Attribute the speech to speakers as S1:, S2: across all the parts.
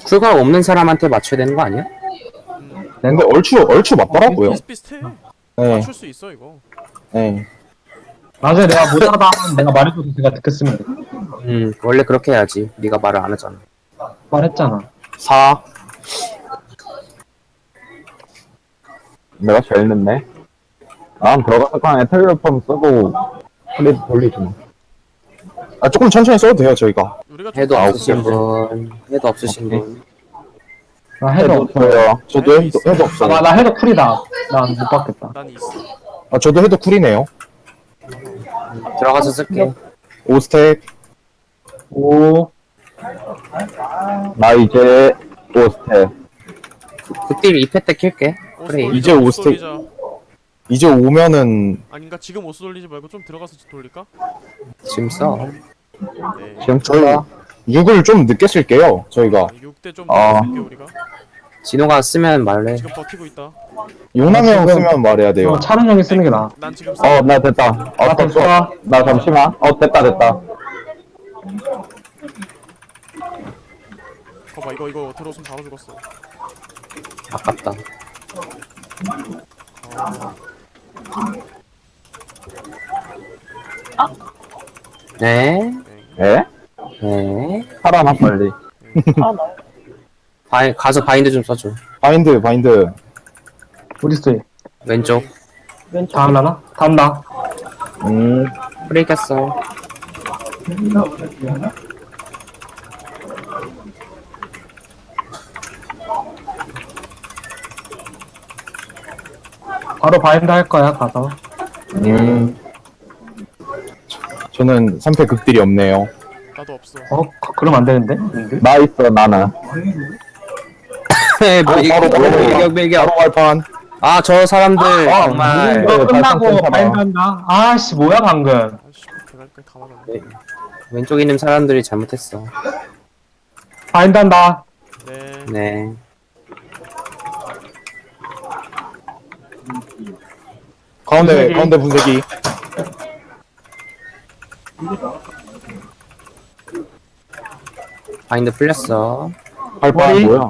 S1: 쿨각 없는 사람한테 맞춰야 되는 거 아니야?
S2: 근데 얼추 맞더라고요.
S3: 비슷비슷해.
S2: 네,
S3: 맞출 수 있어 이거.
S2: 네.
S4: 나중에 내가 못하다 하면 내가 말해줘서 내가 듣겠으면 돼.
S1: 원래 그렇게 해야지. 네가 말을 안 하잖아.
S4: 말했잖아.
S2: 4. 내가 제일 늦네. 난 들어가서 그냥 에테리얼펌 쓰고 플레이 돌리지 뭐. 아, 조금 천천히 써도 돼요, 저희가.
S3: 우리가 좀
S1: 해도
S3: 더
S1: 없으신
S3: 있어야지.
S1: 분, 해도 없으신
S2: 오케이.
S1: 분.
S4: 나 해도
S2: 없어요. 저도 해도 없어요.
S4: 나 해도 쿨이다. 난 못 받겠다.
S3: 난 있어.
S2: 아, 저도 해도 쿨이네요.
S1: 들어가서 쓸게.
S2: 5스택.
S4: 오,
S2: 나 이제 5스택.
S1: 극딜 2패 때 킬게. 그래.
S2: 이제
S3: 오스
S2: 오스텍.
S3: 돌리자.
S2: 이제 오면은
S3: 아닌가 지금 오스 돌리지 말고 좀 들어가서 돌릴까?
S1: 지금 써.
S3: 네.
S2: 지금 저희 6을 좀 늦게 쓸게요, 저희가.
S3: 6대 좀
S2: 아.
S3: 쓸게 우리가.
S1: 진호가 쓰면 말해.
S3: 지금 버티고 있다.
S2: 용남형 쓰면 말해야 돼요.
S4: 이거 차는 형이 쓰는 게 나아.
S3: 난 지금
S2: 나 됐다.
S4: 나 됐어.
S2: 나 잠시만. 됐다.
S3: 봐봐 이거 들어오면 바로 죽었어.
S1: 아깝다. 네.
S2: 에?
S1: 네.
S2: 살아나, 빨리.
S1: 가서 바인드 좀 써줘.
S2: 바인드.
S4: 어딨어 얘?
S1: 왼쪽.
S4: 다음 나나? 다음 나.
S1: 프레이 켰어.
S4: 바로 바인드 할 거야 가서.
S2: 저는 3패 극딜이 없네요.
S3: 나도 없어.
S4: 그럼 안 되는데? 님들?
S2: 나 있어, 나는.
S1: 뭐
S2: 바로
S1: 밀격.
S2: 바로 발판.
S1: 아, 저 사람들 정말
S4: 이거
S2: 네,
S4: 끝나고
S2: 괜찮아.
S4: 바인드 한다. 아씨 뭐야 방금.
S3: 아씨 대갈까지 다 맞았네.
S1: 왼쪽에 있는 사람들이 잘못했어.
S4: 바인드 한다.
S3: 네.
S1: 네.
S2: 가운데 분쇄기.
S1: 바인드 풀렸어.
S2: 발판
S4: 머리.
S2: 뭐야?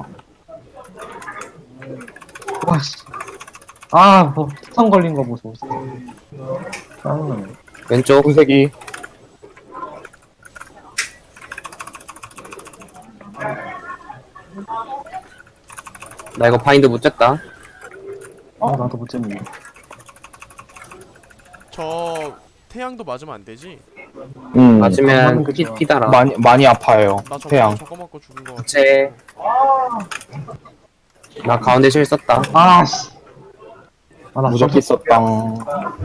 S4: 와씨. 아뭐 특성 걸린 거 보소. 짜증나네.
S1: 왼쪽.
S2: 분쇄기.
S1: 나 이거 바인드 못 쳤다.
S4: 나도 못 잡네.
S3: 저 태양도 맞으면 안 되지?
S1: 맞으면
S4: 그죠.
S1: 피달아.
S2: 많이 아파요.
S3: 나 저거
S2: 태양.
S3: 저거 맞고 죽은 거 같아.
S1: 부채. 나 가운데 실 썼다.
S4: 아씨. 나
S2: 무적기 썼당.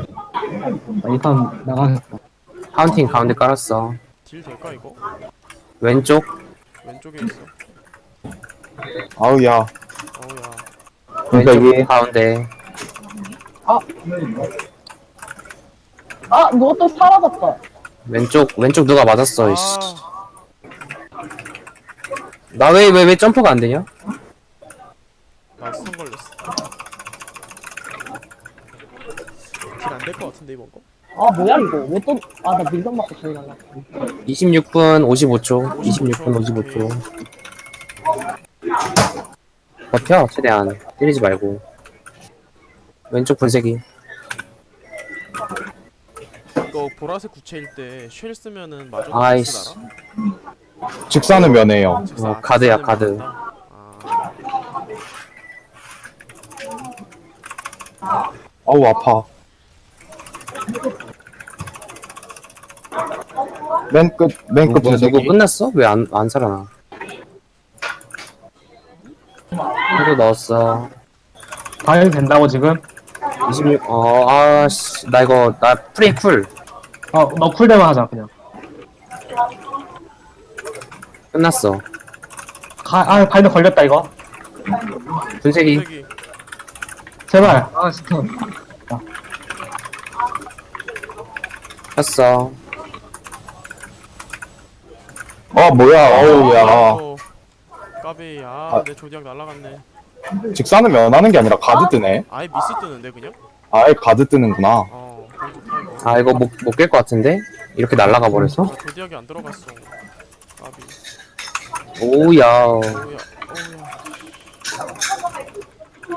S4: 이판 나가겠다.
S1: 카운팅 가운데 깔았어.
S3: 딜 될까 이거?
S1: 왼쪽.
S3: 왼쪽에 있어.
S2: 아우, 야.
S3: 어우야.
S1: 왼쪽
S2: 분쇄기.
S1: 가운데.
S5: 누가 또 사라졌다.
S1: 왼쪽 누가 맞았어. 이씨.
S3: 아,
S1: 나 왜 점프가 안 되냐?
S3: 나 스턴 걸렸어. 딜 안 될 것 같은데 이번 거?
S5: 뭐야, 이거. 왜 또, 나 밀당 맞고 저기 갈라.
S1: 26분 55초. 26분 55초. 버텨 최대한 때리지 말고. 왼쪽 분쇄기.
S3: 이거 보라색 구체일 때 쉘 쓰면은 마저
S1: 아이씨.
S3: 알아?
S2: 직사는 면해요.
S1: 가드야, 가드.
S2: 아우, 아파. 맨 끝
S1: 누구
S2: 분쇄기.
S1: 끝났어? 왜 안 살아나? 해도 넣었어.
S4: 바인드 된다고 지금?
S1: 26. 아씨. 나 프레이 쿨.
S4: 너 쿨대만 하자 그냥.
S1: 끝났어.
S4: 바인드 걸렸다 이거.
S1: 분쇄기.
S3: 색이
S4: 제발. 스턴.
S1: 켰어.
S2: 뭐야. 어우, 야.
S3: 어, 까비 내 조디악 날라갔네.
S2: 직사는 면하는 게 아니라 가드 뜨네.
S3: 아예 미스 뜨는데 그냥?
S2: 아예 가드 뜨는구나.
S3: 그건 좋다 이거.
S1: 이거 못 깰 것 같은데? 이렇게 날아가 버렸어?
S3: 나 조디악이 안 들어갔어. 까비.
S1: 오야.
S3: 오야.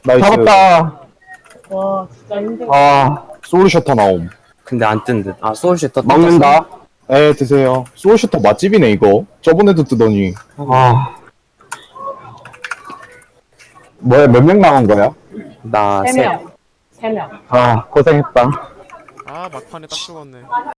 S2: 나이스. 잡았다.
S5: 와, 진짜 힘들어.
S2: 아, 소울셔터 나옴.
S1: 근데 안 뜬 듯. 아, 소울시터
S2: 먹는다. 에, 드세요. 소울셔터 맛집이네, 이거. 저번에도 뜨더니. 아. 뭐야, 몇 명 남은 거야?
S1: 나
S5: 세
S1: 셋.
S5: 명. 3명.
S2: 아, 고생했다.
S3: 아 막판에 딱 죽었네.